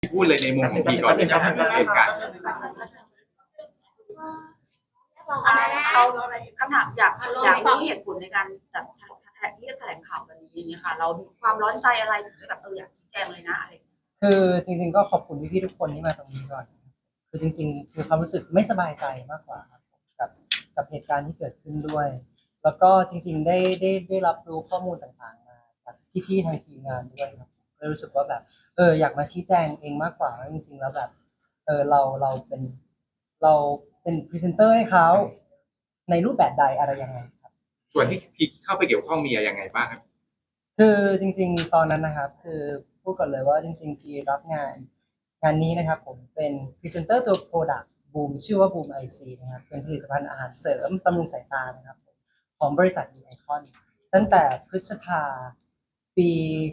พูดเลยในมุมของพี่ก่อนเลยนะเหตุการณ์เอาคำถามอยากรู้เหตุผลในการจัดที่จะแถลงข่าววันนี้นี่ค่ะเรามีความร้อนใจอะไรถึงแบบอยากชี้แจงเลยนะอะไรคือจริงๆก็ขอบคุณพี่ๆทุกคนที่มาตรงนี้ก่อนคือจริงๆคือความรู้สึกไม่สบายใจมากกว่าครับกับเหตุการณ์ที่เกิดขึ้นด้วยแล้วก็จริงๆได้รับรู้ข้อมูลต่างๆมาจากพี่ๆทางทีมงานด้วยครับก็รู้สึกว่าแบบอยากมาชี้แจงเองมากกว่าว่าจริงๆแล้วแบบเราเป็นพรีเซนเตอร์ให้เขาในรูปแบบใดอะไรยังไงครับส่วนที่พี่เข้าไปเกี่ยวข้องมีอะไรยังไงบ้างครับคือจริงๆตอนนั้นนะครับคือพูดก่อนเลยว่าจริงๆที่รับงานนี้นะครับผมเป็นพรีเซนเตอร์ตัว Product Boom ชื่อว่า Boom IC นะครับเป็นผลิตภัณฑ์อาหารเสริมบำรุงสายตานะครับของบริษัท B Icon ตั้งแต่พฤษภาปี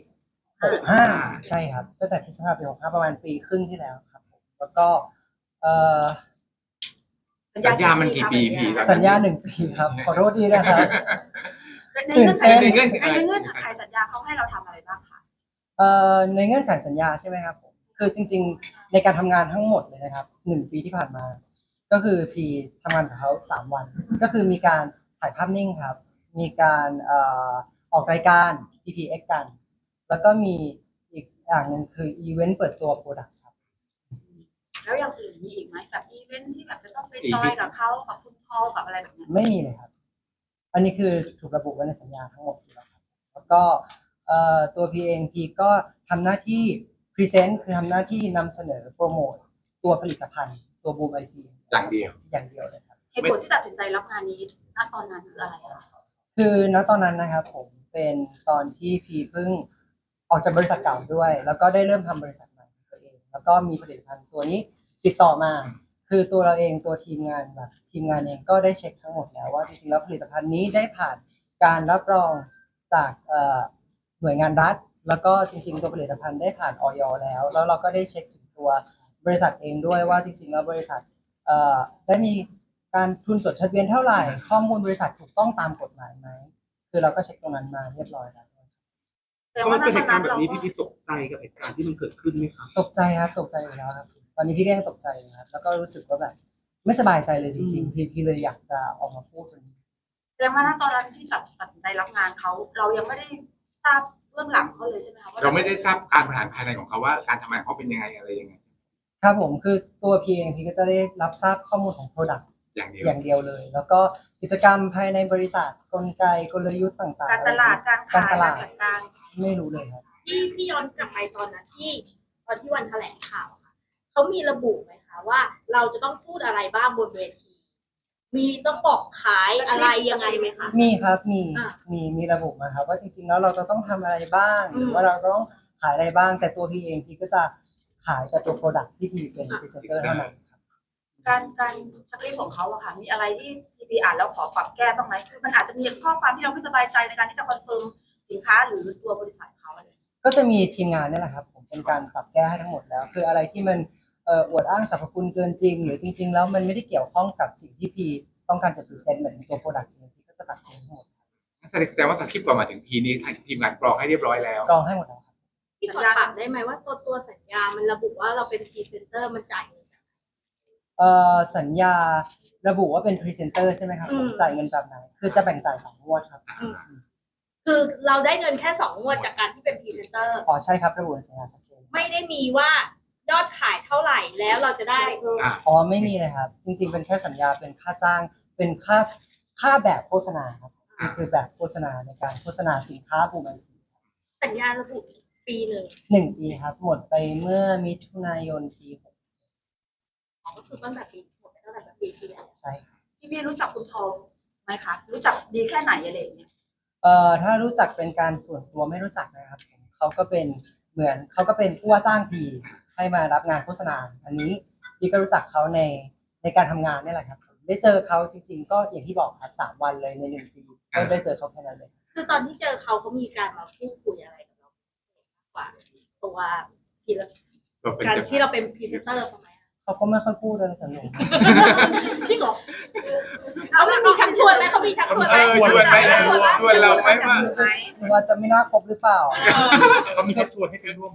65ใช่ครับตั้งแต่พฤษภาปี65ประมาณปีครึ่งที่แล้วครับผมแล้วก็เอ่อสัญญามันกี่ปีพี่สัญญา1 ปีครับขอโทษทีนะครับในเงื่อนไขสัญญาเขาให้เราทำอะไรบ้างคะในเงื่อนไขสัญญาใช่ไหมครับผมคือจริงๆในการทำงานทั้งหมดเลยนะครับ1 ปีที่ผ่านมาก็คือพีทำงานกับเขา3 วันก็คือมีการถ่ายภาพนิ่งครับมีการออกรายการ PPX กันแล้วก็มีอีกอย่างหนึ่งคืออีเวนต์เปิดตัวโปรดักต์ครับแล้วอย่างอื่นมีอีกไหมแบบอีเวนต์ที่แบบจะต้องไปจอยกับเขากับคุณพ่อกับอะไรแบบนี้ไม่มีเลยครับอันนี้คือถูกระบุไว้ในสัญญาทั้งหมดอยู่แล้วครับแล้วก็ตัวพีเองพีก็ทำหน้าที่พรีเซนต์คือทำหน้าที่นำเสนอโปรโมทตัวผลิตภัณฑ์ตัวบูมไอซีอย่างเดียวเลยครับเหตุผลที่ตัดสินใจรับงานนี้ณตอนนั้นคืออะไรคะคือณตอนนั้นนะครับผมเป็นตอนที่พีเพิ่งออกจากบริษัทเก่าด้วยแล้วก็ได้เริ่มทำบริษัทใหม่ตัวเองแล้วก็มีผลิตภัณฑ์ตัวนี้ติดต่อมาคือตัวเราเองตัวทีมงานเองก็ได้เช็คทั้งหมดแล้วว่าจริงๆแล้วผลิตภัณฑ์นี้ได้ผ่านการรับรองจากหน่วยงานรัฐแล้วก็จริงๆตัวผลิตภัณฑ์ได้ผ่านอย.แล้วเราก็ได้เช็คถึงตัวบริษัทเองด้วยว่าจริงๆแล้วบริษัทได้มีการทุนจดทะเบียนเท่าไหร่ข้อมูลบริษัทถูกต้องตามกฎหมายไหมคือเราก็เช็คตรงนั้นมาเรียบร้อยแล้วพอมันเกิดเหตุการณ์แบบนี้พี่ตกใจกับเหตุการณ์ที่มันเกิดขึ้นไหมครับตกใจครับตกใจอยู่แล้วครับตอนนี้พี่ก็ยังตกใจอยู่ครับแล้วก็รู้สึกว่าแบบไม่สบายใจเลยจริงๆพี่เลยอยากจะออกมาพูดตรงนี้แสดงว่าตอนนั้นที่ตัดสินใจรับงานเขาเรายังไม่ได้ทราบเบื้องหลังเขาเลยใช่ไหมคะเราไม่ได้ทราบการบริหารภายในของเขาว่าการทำงานเขาเป็นยังไงอะไรยังไงครับผมคือตัวพีเองพี่ก็จะได้รับทราบข้อมูลของ Product อย่างเดียวเลย แล้วก็กิจกรรมภายในบริษัทกลไกกลยุทธ์ต่างๆการตลาดการขายการจัดการไม่รู้เลยครับพี่ย้อนกลับไปตอนนั้นตอนที่วันแถลงข่าวค่ะเขามีระบุไหมคะว่าเราจะต้องพูดอะไรบ้างบนเวทีมีต้องบอกขายอะไรยังไงไหมคะมีครับมีระบุมาครับว่าจริงๆแล้วเราจะต้องทำอะไรบ้างหรือว่าเราต้องขายอะไรบ้างแต่ตัวพี่เองพี่ก็จะขายแต่ตัว Product ที่พี่เป็นพรีเซนเตอร์เท่านั้นการสคริปต์ของเขาอะค่ะมีอะไรที่พีอ่านแล้วขอปรับแก้บ้างไหมคือมันอาจจะมีข้อความที่เราไม่สบายใจในการที่จะคอนเฟิร์มสินค้าหรือตัวบริษัทเขาอะไรก็จะมีทีมงานนี่แหละครับผมเป็นการปรับแก้ให้ทั้งหมดแล้วคืออะไรที่มันอวดอ้างสรรพคุณเกินจริงหรือจริงๆแล้วมันไม่ได้เกี่ยวข้องกับสิ่งที่พีต้องการจะพรีเซนต์เหมือนตัว Product นี้พีก็จะตัดทิ้งทั้งหมดแสดงว่าสคริปต์ก่อนมาถึงพีนี้ทางทีมงานกรองให้เรียบร้อยแล้วกรองให้หมดแล้วครับพี่ขอถามได้ไหมว่าตัวสัญญามันระบุว่าเราเป็นพรีเซนเตอร์มันจ่ายเงินสัญญาระบุว่าเป็นพรีเซนเตอร์ใช่ไหมครับผมจ่ายเงินแบบไหนคือจะแบ่งจ่าย2 งวดครับคือเราได้เงินแค่2 งวดจากการที่เป็นพรีเซนเตอร์อ๋อใช่ครับระบุในสัญญาชัดเจนไม่ได้มีว่ายอดขายเท่าไหร่แล้วเราจะได้อ๋อไม่มีเลยครับจริงๆเป็นแค่สัญญาเป็นค่าจ้างเป็นค่าแบบโฆษณาครับคือแบบโฆษณาในการโฆษณาสินค้าบูมไอซีสัญญาระบุปี 1 ปีครับหมดไปเมื่อมิถุนายนปี6 ก็คือตั้งแต่ปีหมดไปตั้งแต่ปีที่แล้วใช่พี่รู้จักคุณทองไหมคะรู้จักดีแค่ไหนอะไรอย่างเงี้ยถ้ารู้จักเป็นการส่วนตัวไม่รู้จักนะครับเขาก็เป็นเหมือนเขาก็เป็นผู้ว่าจ้างพีให้มารับงานโฆษณาอันนี้พี่ก็รู้จักเขาในการทำงานนี่แหละครับได้เจอเขาจริงๆก็อย่างที่บอกครับ3 วันเลยใน1 ปีก็ได้เจอเขาแค่นั้นเลยคือตอนที่เจอเขามีการมาพูดคุยอะไรกับเรากว่าตัวการที่เราเป็นพรีเซนเตอร์ทำไมเขาก็ไม่ค่อยพูดเลยแต่หนูจริงเหรอเขามีชักชวนไหมเขามีชักชวนไหมชวนเราไหมว่าจะไม่น่าคบหรือเปล่าเขามีชักชวนให้ไปร่วมเลย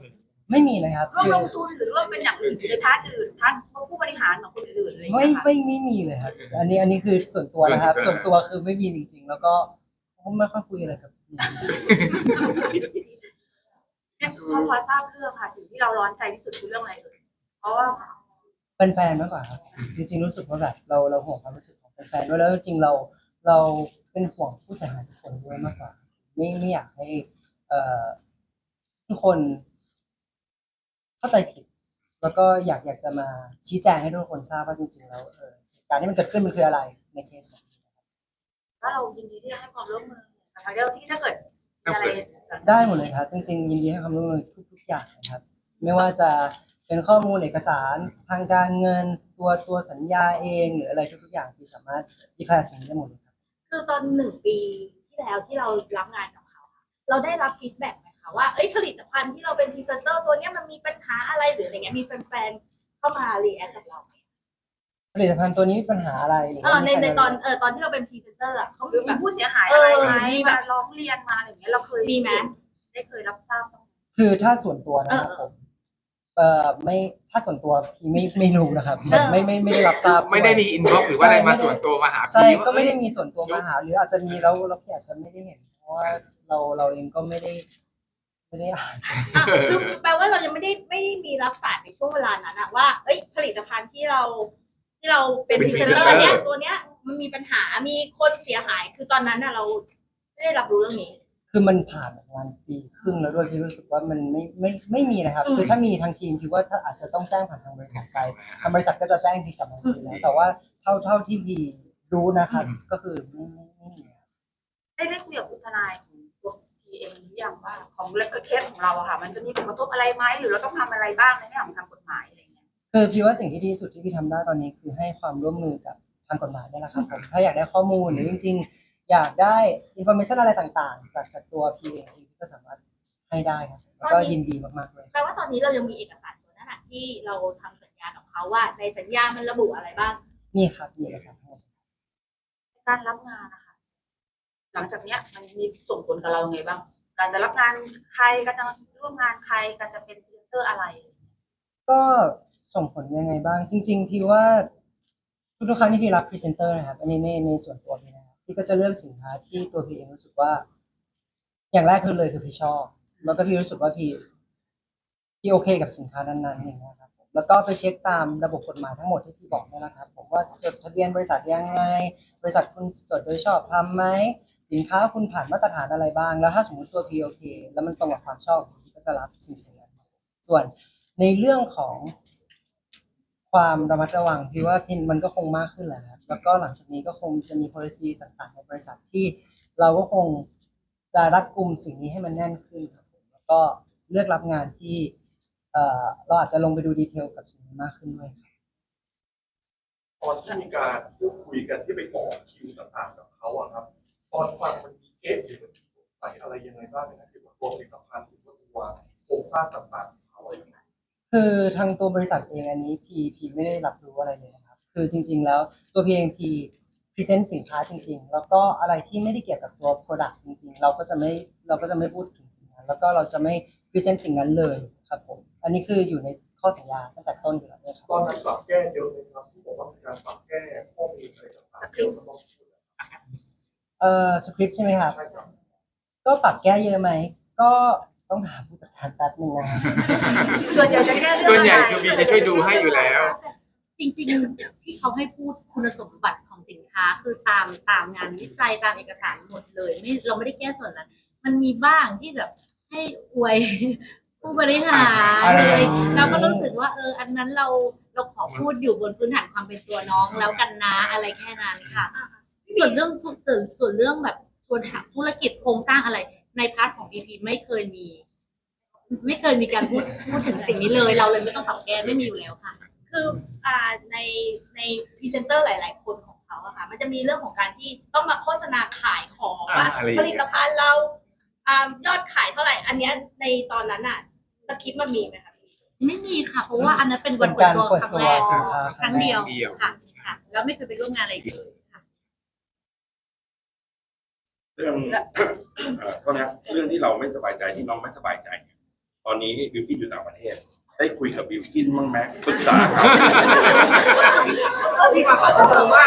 ไม่มีเลยครับร่วมคือลงทุนหรือว่าเป็นอย่างอื่นอยู่ในพาร์ทอื่นพาร์ทผู้บริหารของคนอื่นๆอะไรอย่างไม่เงี้ยค่ะไม่มีเลยครับ อันนี้คือส่วนตัวนะครับ ส่วนตัวคือไม่มีจริงๆ แล้วก็ไม่ค่อยคุยอะไรกับเนี่ยพอทราบเรื่องค่ะสิ่งที่เราร้อนใจที่สุดคือเรื่องอะไรเอ่ยเพราะว่าเป็นแฟนมากกว่าครับจริงๆรู้สึกว่าแบบเราห่วงความรู้สึกของแฟนๆด้วยแล้วจริงๆเราเป็นห่วงผู้เสียหายทุกคนด้วยมากกว่าไม่อยากให้ทุกคนเข้าใจผิด แล้วก็อยากจะมาชี้แจงให้ทุกคนทราบว่าจริงๆแล้วเหตุการณ์ที่มันเกิดขึ้นมันคืออะไรในเคสของว่าเรายินดีที่จะให้ความร่วมมือนะคะเดี๋ยวที่ถ้าเกิดมีอะไรได้หมดเลยครับจริงๆยินดีให้ความร่วมมือทุกอย่างนะครับ ไม่ว่าจะเป็นข้อมูลเอกสารทางการเงินตัวสัญญาเองหรืออะไรทุกๆอย่างที่สามารถดีแคลร์สิ่งนี้ได้หมดเลยครับคือตอน1 ปีที่แล้วที่เรารับงานกับเขาค่ะเราได้รับฟีดแบ็กไหมคะว่าผลิตภัณฑ์ที่เราเป็นพรีเซนเตอร์ตัวเนี้ยมันมีปัญหาอะไรหรืออะไรเงี้ยมีแฟนๆเข้ามารีแอคกับเราไหมผลิตภัณฑ์ตัวนี้มีปัญหาอะไรหรือว่ามีใครในตอนที่เราเป็นพรีเซนเตอร์เขาหรือแบมีบผู้เสียหายอะไรไหมมีแบบมาร้องเรียนมาอะไรอย่างเงี้ยเราเคยมีไหมได้เคยรับทราบบ้างไหมคือถ้าส่วนตัวนะครับผมไม่ถ้าส่วนตัวพี่ไม่รู้นะครับไม่ได้รับทราบไม่ได้มีอินบ็อกซ์หรือว่าอะไรมาส่วนตัวมาหาใช่พี่ว่าก็ไม่ได้มีส่วนตัวมาหาหรืออาจจะมีแล้วเราอาจจะไม่ได้เห็นเพราะว่าเราเองก็ไม่ได้อ่านคือแปลว่าเรายังไม่ได้มีรับสารในช่วงเวลานั้นอะว่าผลิตภัณฑ์ที่เราเป็นพรีเซนเตอร์เนี้ยตัวเนี้ยมันมีปัญหามีคนเสียหายคือตอนนั้นอะเราไม่ได้รับรู้เรื่องนี้คือมันผ่านประมาณปีครึ่งแล้วด้วยที่รู้สึกว่ามันไม่มีนะครับ คือถ้ามีทางทีมคิดว่าถ้าอาจจะต้องแจ้งผ่านทางบริษัทไปทางบริษัทก็จะแจ้งพี่กลับมาทีแล้วแต่ว่าเท่าที่พี่รู้นะครับก็คือไม่มีครับได้คุยกับคุณทนายของตัวพีเองหรือยังว่าของเคสของเราอะค่ะมันจะมีผลกระทบอะไรไหมหรือเราต้องทำอะไรบ้างในแง่ของทางกฎหมายอะไรเงี้ยคือพี่ว่าสิ่งที่ดีที่สุดที่พี่ทำได้ตอนนี้คือให้ความร่วมมือกับทางกฎหมายนี่แหละครับผมถ้าอยากได้ข้อมูลหรือจริงๆ อยากได้อินโฟเมชันอะไรต่างๆ จากตัวพี่เองพี่ก็สามารถให้ได้ครับแล้วก็ยินดีมากๆเลยแปลว่าตอนนี้เรายังมีเอกสารตัวนั้นอะที่เราทำสัญญากับเขาว่าในสัญญามันระบุอะไรบ้างมีครับมีเอกสารทั้งหมดการรับงานนะคะหลังจากเนี้ยมันมีส่งผลกับเราไงบ้างการจะรับงานใครการจะร่วมงานใครการจะเป็นพรีเซนเตอร์อะไรก็ส่งผลยังไงบ้างจริงๆพี่ว่าทุกๆครั้งที่พี่รับพรีเซนเตอร์นะครับอันนี้ในส่วนตัวพี่นะครับพี่ก็จะเลือกสินค้าที่ตัวพี่เองรู้สึกว่า อย่างแรกคือพี่ชอบแล้วก็พี่รู้สึกว่าพี่โอเคกับสินค้านั้นๆอย่างเงี้ยครับผมแล้วก็ไปเช็คตามระบบกฎหมายทั้งหมดที่พี่บอกนี่แหละครับผมว่าจดทะเบียนบริษัทยังไงบริษัทคุณจดโดยชอบทำไหมสินค้าคุณผ่านมาตรฐานอะไรบ้างแล้วถ้าสมมติตัวพี่โอเคแล้วมันตรงกับความชอบพี่ก็จะรับสิ่งนั้นส่วนในเรื่องของความระมัดระวังพี่ว่าพินมันก็คงมากขึ้นแหละครับแล้วก็หลังจากนี้ก็คงจะมี policy ต่างๆในบริษัทที่เราก็คงจะรัดกุมสิ่งนี้ให้มันแน่นขึ้นครับผมแล้วก็เลือกรับงานที่เราอาจจะลงไปดูดีเทลกับสิ่งนี้มากขึ้นด้วยครับตอนที่มีการพูดคุยกันที่ไปต่อคิวต่างๆกับเขาอะครับตอนฟังมันมีเอ๊ะหรือมันมีสงสัยอะไรยังไงบ้างในเกี่ยวกับตัวผลิตภัณฑ์หรือว่าตัวโครงสร้างต่างๆของเขาอะไรอย่างเงี้ยคือทางตัวบริษัทเองอันนี้พีไม่ได้รับรู้อะไรเลยนะครับคือจริงๆแล้วตัวพีเองพีพรีเซนต์สินค้าจริงๆแล้วก็อะไรที่ไม่ได้เกี่ยวกับตัว Product จริงๆเราก็จะไม่พูดถึงสิ่งนั้นแล้วก็เราจะไม่พรีเซนต์สิ่งนั้นเลยครับผมอันนี้คืออยู่ในข้อสัญญาตั้งแต่ต้นอยู่แล้วนะครับตอนนั้นปรับแก้เยอะเลยครับที่บอกว่ามีการปรับแก้ข้อมูลอะไรต่างๆเกี่ยวกับสคริปต์ใช่ไหมครับใช่ครับก็ปรับแก้เยอะไหมก็ต้องถามผู้จัดการแป๊บนึงนะส่วนใหญ่จะแก้เรื่องส่วนใหญ่อะไรคือบีจะช่วยดูให้อยู่แล้วจริงๆที่เขาให้พูดคุณสมบัติของสินค้าคือตามงานวิจัยตามเอกสารหมดเลยเราไม่ได้แก้ส่วนนั้น มันมีบ้างที่จะให้อวย ผู้บริหารอะไรเลยอย่างนี้เราก็รู้สึกว่าอันนั้นเราขอพูดอยู่บนพื้นฐานความเป็นตัวน้องแล้วกันนะอะไรแค่นั้นค่ะส่วนเรื่องแบบชวนถามธุรกิจโครงสร้างอะไรในพาร์ทของ BP ไม่เคยมีการพูดถึงสิ่งนี้เลยเราเลยไม่ต้องปรับแก้ไม่มีอยู่แล้วค่ะคือในพรีเซนเตอร์หลาย ๆ คนของเขาอะค่ะมันจะมีเรื่องของการที่ต้องมาโฆษณาขายของว่าอะไรอย่างผเงี้ยลิตภัณฑ์เรายอดขายเท่าไหร่อันเนี้ยในตอนนั้นอะสคริปต์มันมีไหมคะพี่ไม่มีค่ะ เพราะว่าอันนั้นเป็นวันเป็นเปิการดตัวครั้งแรกเปิดตัวสินค้าครั้งเดียวครั้งเดียวค่ะแล้วไม่เคยไปร่วมงานอะไรอีกเลยค่ะเรื่อง โทษนะครับเรื่องที่เราไม่สบายใจที่น้องไม่สบายใจเนี่ยตอนนี้บิวกิ้นอยู่ต่างประเทศ ได้คุยกับบิวกิ้นบ้างไหมปรึกษาเขาพี่มาขอโทษมาก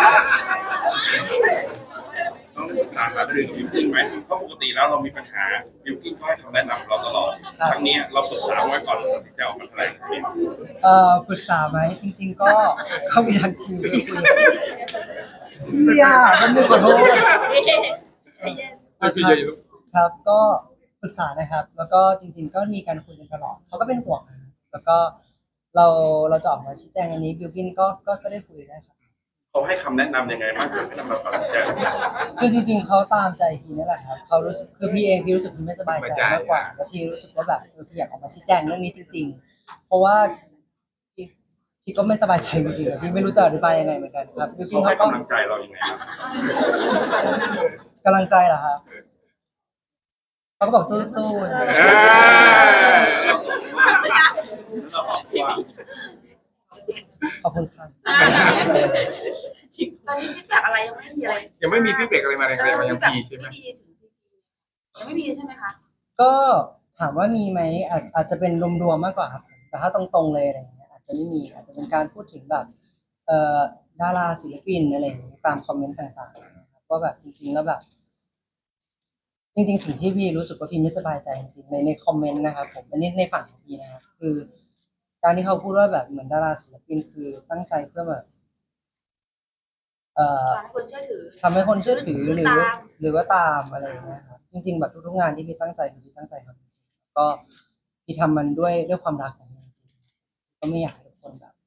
ต้องปรึกษาหารือกับบิวกิ้นไหมเพราะปกติแล้วเรามีปัญหาบิวกิ้นก็ให้คำแนะนำเราตลอดครั้งนี้เราปรึกษาไว้ก่อนที่จะออกมาแถลงเนี่ยปรึกษาไหมจริง ๆ ก็เขามีทางทีมคุยพี่อ่ะมันไม่ขอโทษพี่เยอะครับก็ปรึกษานะครับ แล้วก็จริง ๆ ก็มีการคุยกันตลอดเขาก็เป็นห่วงนะครับแล้วก็เราจะออกมาชี้แจงอันนี้บิวกินก็ได้คุยได้ครับเขาให้คำแนะนำยังไงบ้างเพื่อให้นำมาตัดสินใจคือจริง ๆเขาตามใจพี่นี่แหละครับเขารู้สึกคือพี่เองพี่รู้สึกพี่ไม่สบายใจมากกว่าแล้วพี่รู้สึกว่าแบบพี่อยากออกมาชี้แจงเรื่องนี้จริง ๆ เพราะว่าพี่ก็ไม่สบายใจจริงๆอะพี่ไม่รู้จะอธิบายยังไงเหมือนกันครับบิวกินเขาให้เขาก็กำลังใจเรายังไงครับกำลังใจเหรอครับเขาก็บอกสู้ๆเราบอกว่าขอบคุณครับตอนนี้ฟีดแบ็กอะไรยังไม่มีอะไรยังไม่มีฟีดแบ็กอะไรมาเลยมายังพีใช่ไหมยังไม่มีใช่ไหมคะก็ถามว่ามีไหมอาจจะเป็นรวมๆมากกว่าครับแต่ถ้าตรงๆเลยอะไรอย่างเงี้ยอาจจะไม่มีอาจจะเป็นการพูดถึงแบบดาราศิลปินอะไรอย่างเงี้ยตามคอมเมนต์ต่างๆนะครับว่าแบบจริงๆแล้วแบบ จริง ๆ สิ่งที่พี่รู้สึกว่าพี่ไม่สบายใจจริงๆในคอมเมนต์นะครับผมอันนี้ในฝั่งของพี่นะครับคือ การที่เขาพูดว่าแบบเหมือนดาราศิลปินคือตั้งใจเพื่อแบบทำให้คนเชื่อถือทำให้คนเชื่อถือหรือตามหรือว่าตามอะไรอย่างเงี้ยครับจริง ๆ แบบทุกๆงานที่พี่ตั้งใจคือพี่ตั้งใจทำจริงๆก็พี่ทำมันด้วยความรักของมันจริงๆก็ไม่อยากให้ทุกคนแบบ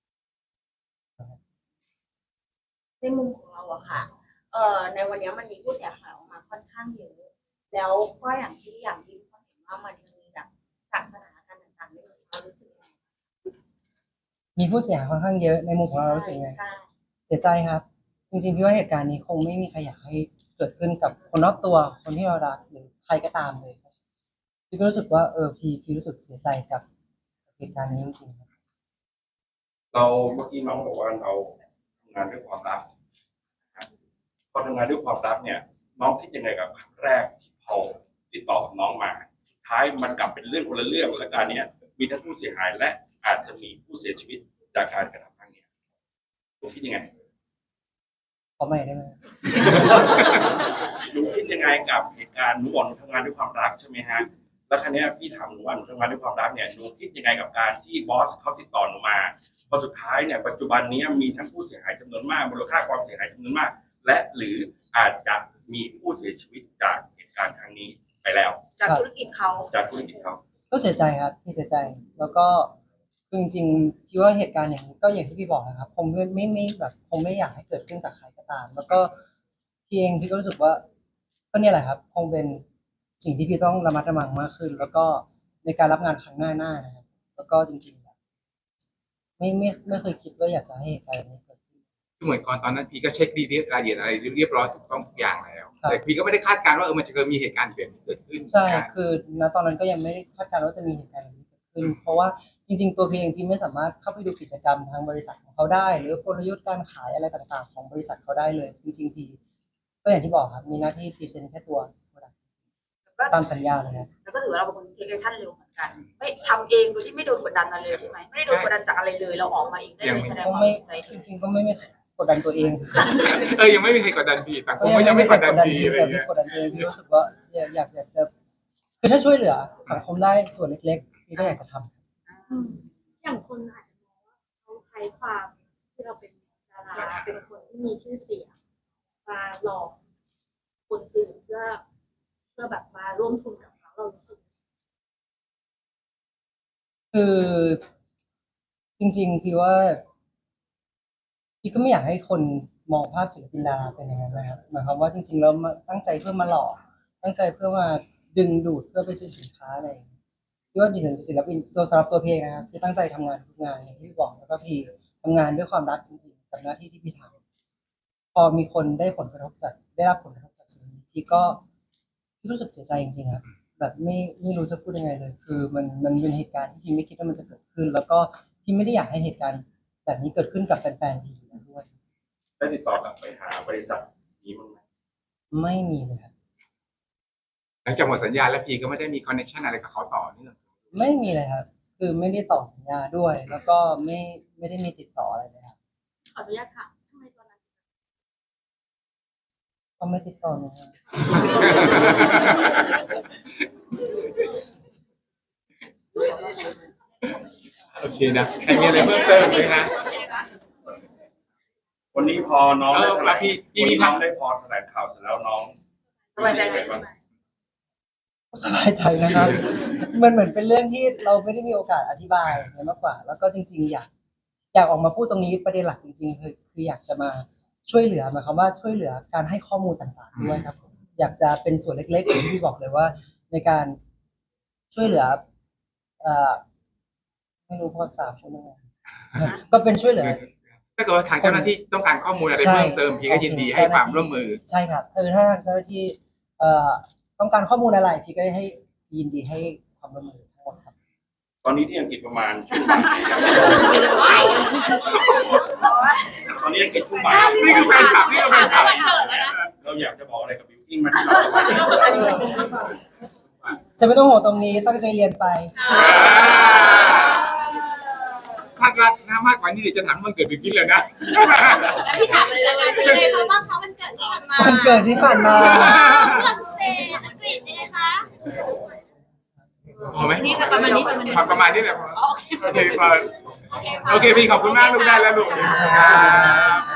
ในมุมของเราอะค่ะ ในวันนี้มันมีผู้เสียหายออกมาค่อนข้างเยอะ แล้วก็อย่างที่ทุกคนเห็นว่ามันมีแบบจากสถานการณ์ต่างๆในเรารู้สึกยังไงมีผู้เสียหายค่อนข้างเยอะในมุมของเรารู้สึกไงใช่เสียใจครับ จริงๆพี่ว่าเหตุการณ์นี้คงไม่มีใครอยากให้เกิดขึ้นกับคนรอบตัวคนที่เรารักหรือใครก็ตามเลยครับพี่ก็รู้สึกว่าพี่รู้สึกเสียใจกับเหตุการณ์นี้จริงๆครับเราเมื่อกี้น้องบอกว่าเราทำงานด้วยความรักนะครับพอทำงานด้วยความรักเนี่ย น้องคิดยังไงกับครั้งแรกที่เขาติดต่อกับน้องมาสุดท้ายมันกลับเป็นเรื่องคนละเรื่องและการเนี้ยมีทั้งผู้เสียหายและอาจจะมีผู้เสียชีวิตจากการกระทำครั้งนี้หนูคิดยังไงขอใหม่ได้ไหมหนูคิดยังไงกับเหตุการณ์หนูบอกหนูทำงานด้วยความรักใช่ไหมฮะแล้วครั้งนี้ยพี่ถามหนูว่าหนูทำงานด้วยความรักเนี่ยหนูคิดยังไงกับการที่บอสเขาติดต่อหนูมาพอสุดท้ายเนี่ยปัจจุบันนี้มีทั้งผู้เสียหายจำนวนมากมูลค่าความเสียหายจำนวนมาก และหรืออาจจะมีผู้เสียชีวิตจากเหตุการณ์ครั้งนี้ไปแล้วจากธุรกิจเขาจากธุรกิจเขาก็เสียใจครับพี่เสียใจแล้วก็คือจริงๆพี่ว่าเหตุการณ์อย่างนี้ก็อย่างที่พี่บอกนะครับคงไม่แบบคงไม่อยากให้เกิดขึ้นกับใครก็ตาม แล้วก็พี่เองพี่ก็รู้สึกว่าก็เนี่ยแหละครับคงเป็นสิ่งที่พี่ต้องระมัดระวังมากขึ้น แล้วก็ในการรับงานครั้งหน้านะครับแล้วก็จริงๆแบบไม่เคยคิดว่าอยากจะให้เหตุการณ์แบบนี้เกิดขึ้นคือเหมือนก่อนตอนนั้นพี่ก็เช็คดีรายละเอียดอะไรเรียบร้อยถูกต้องทุกอย่างแล้วครับแต่พี่ก็ไม่ได้คาดการณ์ว่ามันจะเกิดมีเหตุการณ์แบบนี้เกิดขึ้นใช่คือณตอนนั้นก็ยังไม่ได้คาดการณ์ว่าจะมีเหตุการณ์แบบนี้เกิดขึ้น เพราะว่าจริงๆตัวพี่เองพี่ไม่สามารถเข้าไปดูกิจกรรมทางบริษัทของเขาได้ หรือกลยุทธ์การขายอะไรต่างๆ ของบริษัทเขาได้เลย จริงๆพี่ก็อย่างที่บอกครับมีหน้าที่พรีเซนต์แค่ตัว product ตามสัญญาเลยครับแล้วก็ถือว่าเราเป็นคนเทคแอคชั่นเร็วเหมือนกัน ไม่ทำเองโดยที่ไม่โดนกดดันอะไรเลยใช่ไหมไม่ได้โดนกดดันจากอะไรเลยเราออกมาเองได้เลยแสดงก็ความไม่ใจจริงๆก็ไม่กดดันตัวเองยังไม่มีใครกดดันพี่ต่างคนก็ยังไม่กดดันพี่อะไรแต่เงี้พี่ยกดดันตัวเองพี่รู้สึกว่าอยากจะคือถ้าช่วยเหลือสังคมได้ส่วนเล็กๆพี่ก็อยากจะทำอย่างคนอาจจะมองว่าเขาใช้ความที่เราเป็นดาราเป็นคนที่มีชื่อเสียงมาหลอกคนอื่นเพื่อแบบมาร่วมทุนกับเขาเรารู้สึกคือจริงๆพี่ว่าพี่ก็ไม่อยากให้คนมองภาพศิลปินดาราเป็นอย่างนั้นนะครับหมายความว่าจริงๆแล้วมาตั้งใจเพื่อมาหลอกตั้งใจเพื่อมาดึงดูดเพื่อไปซื้อสินค้าอะไรอย่างเงี้ยพี่ว่าดิฉันเป็นศิลปินตัวสำหรับตัวพี่เองนะครับพี่ตั้งใจทำงานทุกงานอย่างที่พี่บอกแล้วก็พี่ทำงานด้วยความรักจริงๆกับหน้าที่ที่พี่ทำพอมีคนได้รับผลกระทบจากสิ่งนี้พี่รู้สึกเสียใจจริงๆครับแบบไม่รู้จะพูดยังไงเลย คือมันเป็นเหตุการณ์ที่พี่ไม่คิดว่ามันจะเกิดขึ้น แล้วก็พี่ไม่ได้อยากให้เหตุการณ์แบบนี้เกิดขึ้นกับแฟนๆพี่อยู่แล้วด้วยได้ติดต่อกลับไปหาบริษัทนี้มั้างไหมไม่มีเลยครับหลังจากหมดสัญญาแล้วพีก็ไม่ได้มีคอนเนคชั่นอะไรกับเขาต่อเนื่องไม่มีเลยครับ คือไม่ได้ต่อสัญญาด้วย แล้วก็ไม่ได้มีติดต่ออะไรเลยครับขออนุญาตค่ะทำไมตอนนั้นก็ไม่ติดต่อหนูครับโอเคนะใครมีอะไรเพิ่มเติมไหมคะวันนี้พอน้องได้แถลงพี่วันมีนี้น้องได้พอแถลงข่าวเสร็จแล้วน้องสบายใจไหมสบายใจนะครับ มันเหมือนเป็นเรื่องที่เราไม่ได้มีโอกาสอธิบายเนี่ยมากกว่า แล้วก็จริงๆอยากออกมาพูดตรงนี้ประเด็นหลักจริงๆคืออยากจะมาช่วยเหลือหมายความว่าช่วยเหลือการให้ข้อมูลต่างๆด้วยครับผมอยากจะเป็นส่วนเล็กๆอย่างที่พี่บอกเลยว่า ในการช่วยเหลือไม่รู้ภาษาพูดยังไงก็เป็นช่วยเหลือถ้าเกิดว่าทางเจ้าหน้าที่ต้องการข้อมูลอะไรเพิ่มเติมพีก็ยินดีให้ความร่วมมือใช่ครับถ้าทางเจ้าหน้าที่ต้องการข้อมูลอะไรพี่ก็ให้ยินดีให้ความร่วมมือทั้งหมดครับตอนนี้ที่อังกฤษประมาณช่วงบ่ายตอนนี้อังกฤษช่วงบ่ายนี่คือแฟนคลับนี่คือแฟนคลับเราอยากจะบอกอะไรกับบิวกิ้งไหมที่เราจะไม่ต้องห่วงตรงนี้ตั้งใจเรียนไปภาครัฐนะมากกว่านี้เดี๋ยวจะถามวันเกิดบิวกิ้นเลยนะแล้วพี่ถามเลยละกันเป็นไงคะบ้างคะวันเกิดที่ผ่านมาวันเกิดที่ผ่านมาฝรั่งเศสอังกฤษยังไงคะพอไหมนี่ค่ะประมาณนี้ประมาณนี้แหละพอโอเคโอเคพอโอเคพี่ขอบคุณมากลูกได้แล้วลูกครับ